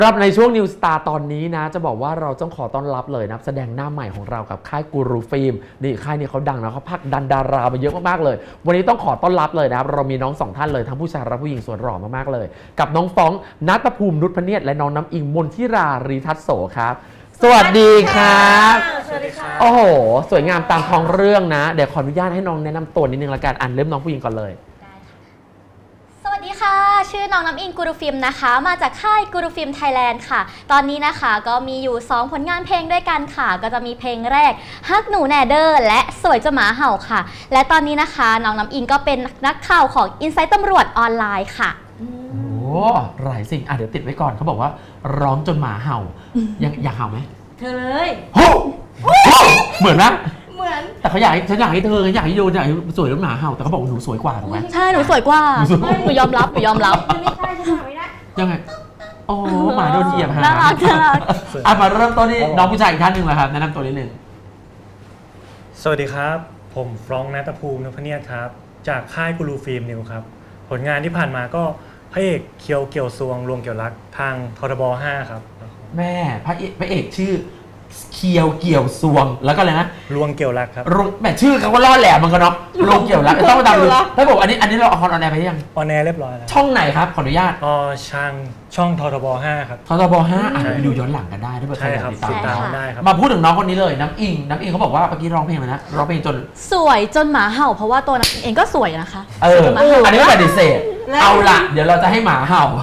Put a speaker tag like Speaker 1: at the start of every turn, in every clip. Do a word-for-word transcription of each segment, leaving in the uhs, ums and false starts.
Speaker 1: กลับในช่วง New Star ตอนนี้นะจะบอกว่าเราต้องขอต้อนรับเลยนะแสดงหน้าใหม่ของเรากับค่ายกูรูฟิล์มนี่ค่ายนี้เขาดังนะเขาพักดันดารามาเยอะมากๆเลยวันนี้ต้องขอต้อนรับเลยนะครับเรามีน้องสองท่านเลยทั้งผู้ชายและผู้หญิงสวยหล่อมากๆเลยกับน้องฟ้องณัฐภูมินุชพเนียดและน้องน้ำอิงมนทิรารีทัศโสครับสวัสดีครับ
Speaker 2: สวัสดีค่ะ
Speaker 1: โอ้โหสวยงามตามท้องเรื่องนะเดี๋ยวขออนุญาตให้น้องแนะนำตัวนิดนึงละกันอ่านเริ่มน้องผู้หญิงก่อนเลย
Speaker 2: สวัสดีค่ะชื่อน้องน้ำอิงกูรูฟิล์มนะคะมาจากค่ายกูรูฟิล์มไทยแลนด์ค่ะตอนนี้นะคะก็มีอยู่สองผลงานเพลงด้วยกันค่ะก็จะมีเพลงแรกฮักหนูแนเดอร์และสวยจะหมาเห่าค่ะและตอนนี้นะคะน้องน้ำอิงก็เป็นนักข่าวของ Insight ตำรวจออนไลน์ค่ะ
Speaker 1: โอ้หลายสิ่งอ่ะเดี๋ยวติดไว้ก่อนเขาบอกว่าร้องจนหมาเห่าอยากอยากเห่าไหม
Speaker 2: เธอเลย
Speaker 1: โอ้เหมือนนะ
Speaker 2: เหมือน
Speaker 1: แต่เขาอยากฉันอยากให้เธออยากให้ดูอยากให้สวยแล้วหมาเห่าแต่เขาบอกหนูสวยกว่าถูกไหม
Speaker 2: ใช่หนูสวยกว่าหนูยอมรับหนูยอมรับ
Speaker 3: ไม่ใช่ฉันทำไม่ได้
Speaker 1: ยังไงโอ้หมาโดนเหยียบฮะ
Speaker 2: น่ารักน่ารัก
Speaker 1: อ่ะมาเริ่มต้นที่น้องผู้ชายอีกท่านหนึ่งเลยครับแนะนำตัวนิดนึง
Speaker 4: สวัสดีครับผมฟรองก์ณัฐภูมินุชพเนียดครับจากค่ายกูรูฟิล์มนิวครับผลงานที่ผ่านมาก็พระเอกเคียวเกี่ยวซวงรวงเกี่ยวรักทางททบห้าครับ
Speaker 1: แม่พระเอกพระเอกชื่อเคียวเกี่ยวซวงแล้วก็อะไรนะ
Speaker 4: รวงเกี่ยวรักครับ
Speaker 1: รวงแม่ชื่อเขาก็ล่อแหลมมันก็เนาะรวงเกี่ยวรักต้องมาตามดูถ้าบอกอันนี้อันนี้เราออนแอร์ไปยัง
Speaker 4: ออนแอร์เรียบร้อยแล้ว
Speaker 1: ช่องไหนครับขออนุญาต
Speaker 4: อ๋อช่างช่องททบห้าครับ
Speaker 1: ททบห้าอ่ะไปดูย้อนหลังกันได้ถ้าเกิดใครอยากติดตาม
Speaker 4: ได้ครับ
Speaker 1: มาพูดถึงน้องคนนี้เลยน้ำอิงน้ำอิงเขาบอกว่าเมื่อกี้ร้องเพลงอะไรนะร้องเพลงจน
Speaker 2: สวยจนหมาเห่าเพราะว่าตัวน้ำเองก็สวยนะคะ
Speaker 1: เอออันนี้ไม่ปฏิเสธเอาละเดี๋ยวเราจะให้หมาเห่า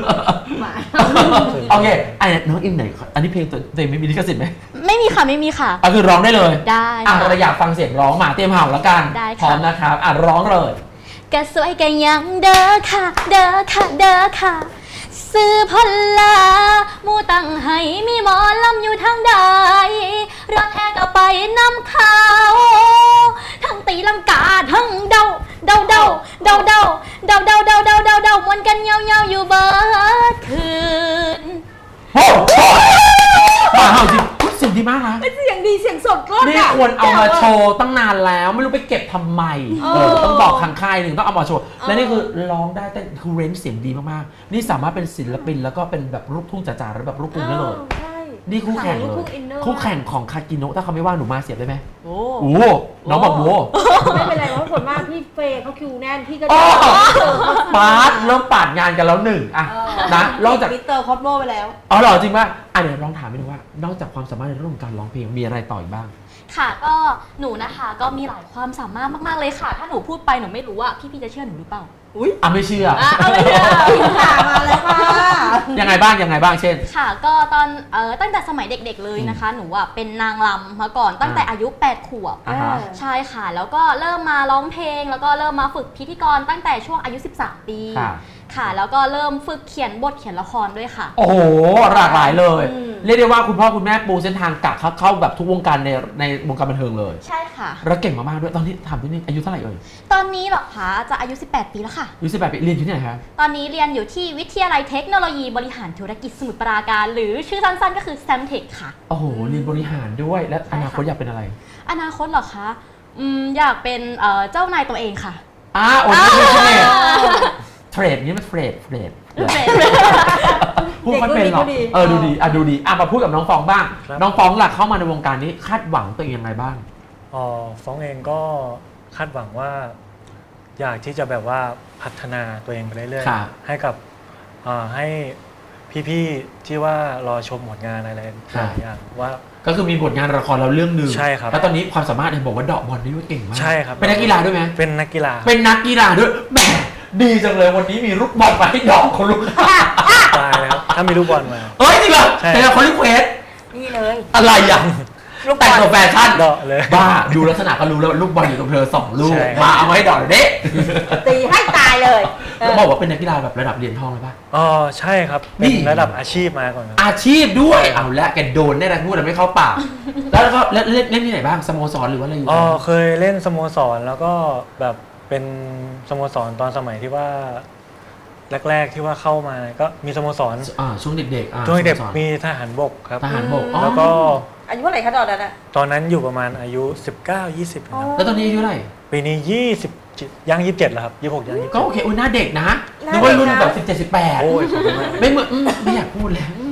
Speaker 1: โอเคไอ้น้องอิงไหนอันนี้เพลงตัวเองไม่มีลิขสิทธิ์ไหม
Speaker 2: ไม่มีค่ะไม่มีค่ะ
Speaker 1: ก็คือร้องได้เลย
Speaker 2: ได้
Speaker 1: อ่ะเราอยากฟังเสียงร้องหมาเตรียมเห่าแล้วกันพร้อมนะครับอ่ะร้องเลย
Speaker 2: กะสวยกะยังเด้อค่ะเด้อค่ะเด้อค่ะซื้อพลามูตั้งให้มีหมอลำอยู่ทางใดรักแอกเอาไปนำเขาทั้งตีลังกาทั้งเดาเดาเดาเดาเดาเดาเดาเดาเดาเดาเดามวนกันเงาเงาอยู่เบิดคืน
Speaker 1: โอ้หมาเห่าจริงเสียงดีมากนะ
Speaker 3: เป็นเสียงดีเสียงสดก็
Speaker 1: นี่ควรเอามาโชว์ตั้งนานแล้วไม่รู้ไปเก็บทำไมเออต้องบอกทางค่ายหนึ่งต้องเอามาโชว์และนี่คือร้องได้แต่คือเรนจ์เสียงดีมากๆนี่สามารถเป็นศิลปินแล้วก็เป็นแบบลูกทุ่งจ๋าๆหรือแบบลูกกรุงได้เลยนี่คู่แข่งเลยคู่แข่งของคากิโนะถ้าเขาไม่ว่าหนูมาเสียบได้ไหมโอ้โหน้องบอกโว้
Speaker 3: ไม่เป็นไรเพราะส่วนมากพี่เฟย์เขาคิวแน่นพี่ก็
Speaker 1: ปาดเริ่มปาดงานกันแล้วหนึ่งอะนะนอกจาก
Speaker 3: มิสเตอร์คอสโมไปแล้ว
Speaker 1: อ๋อเหรอจริงป่ะอ่ะเดี๋ยวลองถามไปดูว่านอกจากความสามารถในเรื่องของการร้องเพลงมีอะไรต่ออีกบ้าง
Speaker 2: ค่ะก็หนูนะคะก็มีหลายความสามารถมากๆเลยค่ะถ้าหนูพูดไปหนูไม่รู้ว่าพี่ๆจะเชื่อหนูหรือเปล่า
Speaker 1: อุ้ยอ่ะไม่เชื่อ
Speaker 2: อ่ะไม่เชื่อ
Speaker 3: ค่ะมาแล้วค่ะ
Speaker 1: ยังไงบ้างยังไงบ้างเช่น
Speaker 2: ค่ะก็ตอนเอ่อตั้งแต่สมัยเด็กๆเลยนะคะหนูอ่ะเป็นนางรำมาก่อนตั้งแต่อายุแปดขวบใช่ค่ะแล้วก็เริ่มมาร้องเพลงแล้วก็เริ่มมาฝึกพิธีกรตั้งแต่ช่วงอายุสิบสามปีค่ะแล้วก็เริ่มฝึกเขียนบทเขียนละครด้วยค่ะ
Speaker 1: โอ้โหหลากหลายเลยเรียกได้ว่าคุณพ่อคุณแม่ปูเส้นทางกะเข้าเข้าแบบทุกวงการในในวงการบันเทิงเลย
Speaker 2: ใช่ค่ะ
Speaker 1: แล้วเก่งมากๆด้วยตอนนี้ถามพี่นี่อายุเท่าไหร่เอ่ย
Speaker 2: ตอนนี้เหรอคะจะอายุสิบแปดปีแล้วค่ะ
Speaker 1: อายุสิบแปดปีเรียนที่ไหนคะ
Speaker 2: ตอนนี้เรียนอยู่ที่วิทยาลัยเทคโนโลยีบริหารธุรกิจสมุทรปราการหรือชื่อสั้นๆก็คือ แซม เทค ค่ะ
Speaker 1: โอ้โหเรียนบริหารด้วยและอนาคตอยากเป็นอะไร
Speaker 2: อนาคตเหรอคะอืมอยากเป็นเจ้านายตัวเองค่ะ
Speaker 1: อ้าโอ้ยเทรดเทรดนี่มันเทรดเทรดพูดไม่เป็นหรอกเออดูดีอ่ะดูดีอ่ะมาพูดกับน้องฟองบ้างน้องฟองหลักเข้ามาในวงการนี้คาดหวังตัวเองยังไงบ้าง
Speaker 4: อ๋อฟองเองก็คาดหวังว่าอยากที่จะแบบว่าพัฒนาตัวเองไปเรื่อยๆให้กับให้พี่ๆที่ว่ารอชมผลงานอะไรหลายอย่างว่า
Speaker 1: ก็คือมีผลงานละครเราเรื่องหนึ่ง
Speaker 4: ใช่ครับ
Speaker 1: แล้วตอนนี้ความสามารถเห็นบอกว่าเดาะบอลนี่ว่าเก่งมาก
Speaker 4: ใช่ครับ
Speaker 1: เป็นนักกีฬาด้วยไหม
Speaker 4: เป็นนักกีฬา
Speaker 1: เป็นนักกีฬาด้วยแหมดีจังเลยวันนี้มีลูกบอลมาให้ดอกคนลูก
Speaker 4: ตายแล้วถ้ามีลูกบอลมา
Speaker 1: เอ้ยจริงเหรอแต่คนรีเควส
Speaker 3: นี่เลย
Speaker 1: อะไรอย่างแต่งตัวแฟชั่น
Speaker 4: ดอกเลย
Speaker 1: บ้าดูลักษณะก็รู้แล้วลูกบอลอยู่กับเธอสองลูกมาเอามาให้ดอกเด็ก
Speaker 3: ตีให้ตายเลย
Speaker 1: แล้วบอกว่าเป็นนักกีฬาแบบระดับเหรียญทองเลยป่ะ
Speaker 4: อ๋อใช่ครับเป็นระดับอาชีพมาก่อน
Speaker 1: อาชีพด้วยเอาละแกโดนแน่นะพูดแต่ไม่เข้าปากแล้วก็เล่นเล่นที่ไหนบ้างสโมสรหรือว่าอะไรอยู่
Speaker 4: อ๋อเคยเล่นสโมสรแล้วก็แบบเป็นสโมสรตอนสมัยที่ว่าแรกๆที่ว่าเข้ามาก็มีสโมสร
Speaker 1: อ่าช่วงเด็กๆ
Speaker 4: ช่วงเด็กมีทหารบกครับ
Speaker 1: ทหารบก
Speaker 4: แล้วก็
Speaker 3: อายุเท่าไหร่คะตอนนั้นอ่ะ
Speaker 4: ตอนนั้นอยู่ประมาณอายุสิบเก้า ยี่สิบครับ
Speaker 1: แล้วตอนนี้อายุเท่าไหร่
Speaker 4: ปีนี้ยี่สิบย่างยี่สิบเจ็ดแล้วครับยี่สิบหกย่างยี่สิบ
Speaker 1: ก็โอเคโอ้ยหน้าเด็กนะนึกว่ารุ่นแบบสิบเจ็ด สิบแปดโอ้ยไม่เหมือนไม่อยากพูดแล้ว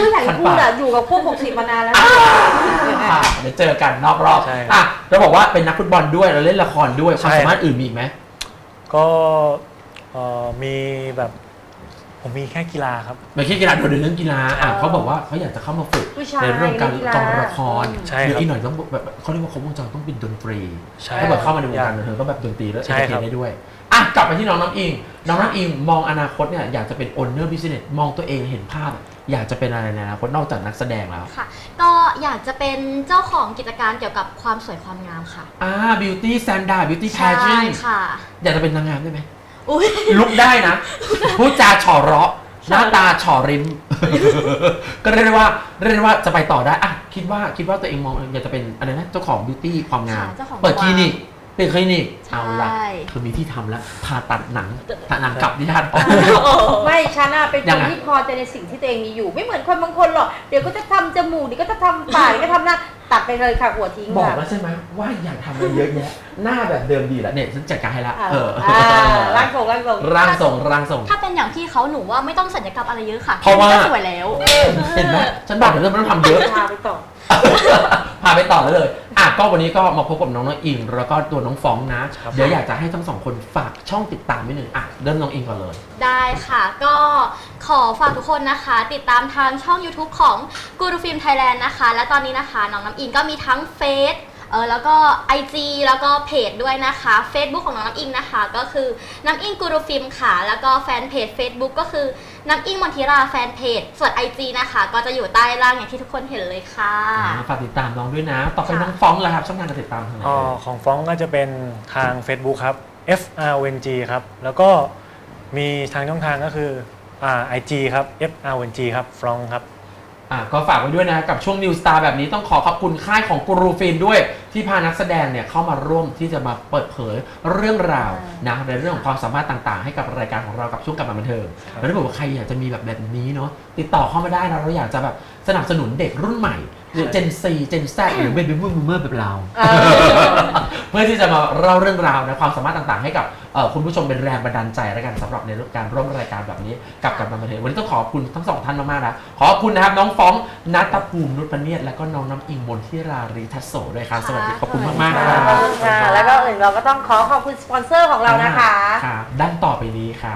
Speaker 3: ไม่อยากจะพูดอะอยู่กับพวกหกสิบมานานแล้ว
Speaker 1: อ่ะเดี๋ยวเจอกันนอกรอบ
Speaker 4: ใช่ครับ
Speaker 1: อ่ะเราบอกว่าเป็นนักฟุตบอลด้วยเราเล่นละครด้วยความ
Speaker 4: ใช่
Speaker 1: สามารถอื่นมีอีกไหม
Speaker 4: ก็เอ่อมีแบบผมมีแค่กีฬาครับ
Speaker 1: ไม่ใช่กีฬาโดดเด่นเรื่องกีฬาอ่ะ
Speaker 3: เออ
Speaker 1: เขาบอกว่าเขาอยากจะเข้ามาฝึก
Speaker 3: ผู้ชาย
Speaker 1: ในเรื่องการ
Speaker 3: นักกีฬาก
Speaker 1: องละคร
Speaker 3: อืม
Speaker 4: ใช่
Speaker 1: หรือ
Speaker 4: ครับ
Speaker 1: อีกหน่อยต้องแบบเขาเรียกว่าครบวงจรต้องเป็นดนตรี
Speaker 4: ใช่
Speaker 1: ถ้าเกิดเข้ามาในวง
Speaker 4: อยา
Speaker 1: การ
Speaker 4: ก
Speaker 1: บันเทิงก็แบบดนตรีแล้ว
Speaker 4: ใช่
Speaker 1: เอนเตอร์เท
Speaker 4: ครับ
Speaker 1: นได้ด้วยอ่ะกลับไปที่น้องน้ำอิงน้องน้ำอิงมองอนาคตเนี่ยอยากจะเป็น owner business มองตัวเองเห็นภาพ อยากจะเป็นอะไรในอนาคตนอกจากนักแสดงแล้ว
Speaker 2: ค่ะ ก็อยากจะเป็นเจ้าของกิจการเกี่ยวกับความสวยความงามค่ะ
Speaker 1: อ่า beauty standard beauty
Speaker 2: ใช่
Speaker 1: pageant
Speaker 2: ค่ะ
Speaker 1: อยากจะเป็นนางงามได้ไหม
Speaker 2: อุ้ย
Speaker 1: ลุกได้นะพูดจาเฉอเราะหน้าตาเฉอริม ก็เรียกได้ว่าเรียกได้ว่าจะไปต่อได้อ่ะคิดว่าคิดว่าตัวเองมองอยากจะเป็นอะไรนะเจ้าของบิวตี้ความงาม
Speaker 2: ค่ะเจ้าของ
Speaker 1: เปิดคลินิกเป็นคลินิก
Speaker 2: ใช่
Speaker 1: เอาละคือมีที่ทำแล้วผ่าตัดหนังผ่าหนังกลับที่ท่าน
Speaker 3: ไม่ฉันอะเป็นค
Speaker 1: ยัง
Speaker 3: น
Speaker 1: ไง
Speaker 3: ที่พอใจในสิ่งที่ตัวเองมีอยู่ ไม่เหมือนคนบางคนหรอกเดี๋ยวก็จะทำจมูกเดี๋ยวก็จะทำปากเดี๋ยวก็ทำหน้าตัดไปเลยค่ะหัวทิ้ง
Speaker 1: บอก
Speaker 3: ค่ะ
Speaker 1: แล้วใช่ไหมว่าอยากทำอะไรเยอะแยะหน้าแบบเดิมดีแล้วเนี่ยฉันจัดการให้ละ
Speaker 3: อ่า
Speaker 1: เออ
Speaker 3: อ่าร่างทรงร่างทรง
Speaker 1: ร่างทรงร่างทรง
Speaker 2: ถ้าเป็นอย่างพี่เขาหนูว่าไม่ต้องสัญญกรรมอะไรเยอะค่ะ
Speaker 1: เพราะว่า
Speaker 2: แค่นี้ก็สวยแล้ว
Speaker 1: เห็นไหมฉันบอกเลยว่าไม่ต้องทำเยอะ
Speaker 3: พาไปต่อ
Speaker 1: พาไปต่อเลยเลยอ่ะก็วันนี้ก็มาพบกับน้องน้องอิงแล้วก็ตัวน้องฟองนะ
Speaker 4: ครับ
Speaker 1: เดี๋ยวอยากจะให้ทั้งสองคนฝากช่องติดตามนิดนึงอ่ะเริ่มน้องอิงก่อนเลย
Speaker 2: ได้ค่ะ ก็ขอฝากทุกคนนะคะ ติดตามทางช่อง YouTube ของ Guru Film Thailand นะคะ และตอนนี้นะคะน้องน้ำอิงก็มีทั้งเฟซเออแล้วก็ ไอ จี แล้วก็เพจด้วยนะคะ Facebook ของน้องน้ำอิงนะคะ ก็คือน้ำอิงกูรูฟิล์มค่ะ แล้วก็แฟนเพจ Facebook ก็คือน้ำอิงมนทิราแฟนเพจส่วน ไอ จี นะคะ ก็จะอยู่ใต้ล่างอย่างที่ทุกคนเห็นเลยค่ะ
Speaker 1: อ่าฝากติดตามน้องด้วยนะ ต่อไป
Speaker 2: ค่ะ
Speaker 1: น้องฟองล่ะครับช่องทางการติดตามทางไหน
Speaker 4: อ๋อ
Speaker 1: เอ่ย
Speaker 4: ของฟ้องก็จะเป็นทาง Facebook ครับ F R O N G ครับ แล้วก็มีทางช่องทางก็คืออ่า ไอ จี ครับ F R O N G ครับฟรองครับ
Speaker 1: อ่ะก็ฝากไว้ด้วยนะกับช่วง New Star แบบนี้ต้องขอขอบคุณค่ายของกูรูฟิล์มด้วย ที่พานักแสดงเนี่ยเข้ามาร่วมที่จะมาเปิดเผยเรื่องราวนะในเรื่องของความสามารถต่างๆ ให้กับรายการของเรากับช่วงกับบันเทิง
Speaker 4: ครับ
Speaker 1: แล้วถ้าบอกว่าใครอยากจะมีแบบแบบนี้เนาะติดต่อเข้ามาได้นะเราอยากจะแบบสนับสนุนเด็กรุ่นใหม่หรือ Gen Z Gen Z หรือ Baby Boomer แบบเรา
Speaker 3: เออ
Speaker 1: เพื่อที่จะมาเล่าเรื่องราวในความสามารถต่างๆ ให้กับเอ่อคุณผู้ชมเป็นแรงบันดาลใจแล้วกันสำหรับในเรื่องการร่วมรายการแบบนี้กับกับบันเทิงวันนี้ต้องขอบคุณทั้งสองท่านมากๆนะขอบคุณนะครับน้องฟ้องนัทภูมินุชปเนียดและก็น้องน้ำอิงมนทิรารีทัศโสด้วยครับสวัสดีขอบคุณมากๆ
Speaker 3: ข
Speaker 1: ค
Speaker 3: อบ
Speaker 1: รับ
Speaker 3: คุณค่ะแล้วก็อื่นเราก็ต้องขอขอบคุณสปอนเซอร์ของเรานะคะ
Speaker 1: ครับด้านต่อไปนี้ครับ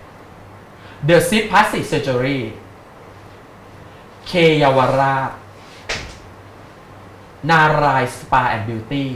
Speaker 1: The Sit Plastic Surgery เคเยาวราชนารายสปาแอนด์บิวตี้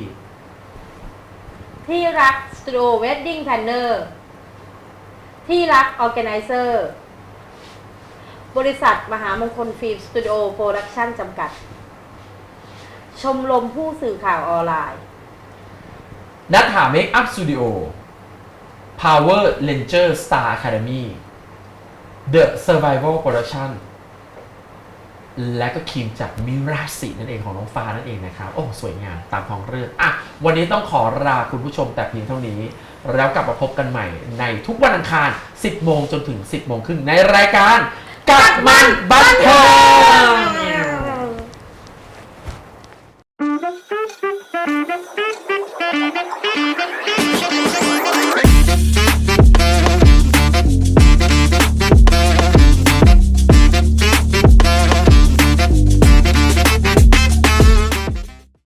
Speaker 3: ที่รักสตูดิโอเวดดิ้งแพลนเนอร์ที่รักออแกไนเซอร์บริษัทมหามงคลฟิล์มสตูดิโอโปรดักชั่นจำกัด ชมรมผู้สื่อข่าวออนไลน์
Speaker 1: นัทหาเมคอัพสตูดิโอ Power Ranger Star Academy The Survival Production และก็ครีมจากมิราสินั่นเองของน้องฟ้านั่นเองนะครับ โอ้ สวยงามตามท้องเรื่องอ่ะวันนี้ต้องขอลาคุณผู้ชมแต่เพียงเท่านี้ แล้วกลับมาพบกันใหม่ในทุกวันอังคาร สิบโมงจนถึง สิบโมงครึ่งในรายการกัดมันบันเทิง